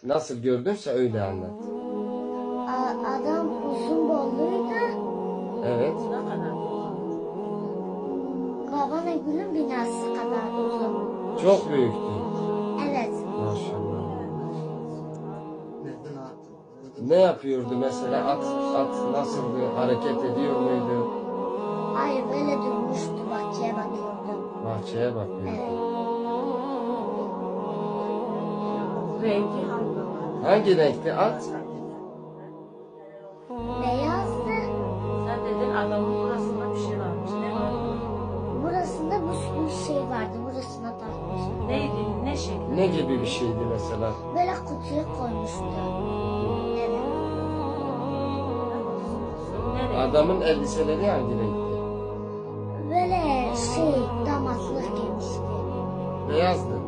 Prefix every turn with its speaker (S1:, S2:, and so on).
S1: Nasıl gördünse öyle anlat.
S2: Adam uzun bolluydu.
S1: Evet.
S3: Ne kadar?
S2: Babana Gül'ün binası kadar uzun.
S1: Çok büyüktü.
S2: Evet.
S1: Maşallah. Ne yapıyordu mesela? At nasıldı? Hareket ediyor muydu?
S2: Hayır, böyle durmuştu, bahçeye bakıyordu.
S1: Bahçeye bakıyordu.
S2: Evet.
S3: Rengi hangi?
S1: Hangi renkti at?
S2: Beyazdı.
S3: Sen dedin adamın burasında bir şey varmış. Ne var?
S2: Burasında bir şey vardı. Burasına takmış.
S3: Neydi? Ne şekli?
S1: Ne gibi bir şeydi mesela?
S2: Böyle kutuya koymuştu. Evet.
S3: Nereye?
S1: Adamın elbiseleri hangi renkti?
S2: Böyle damatlık giymişti.
S1: Beyazdı.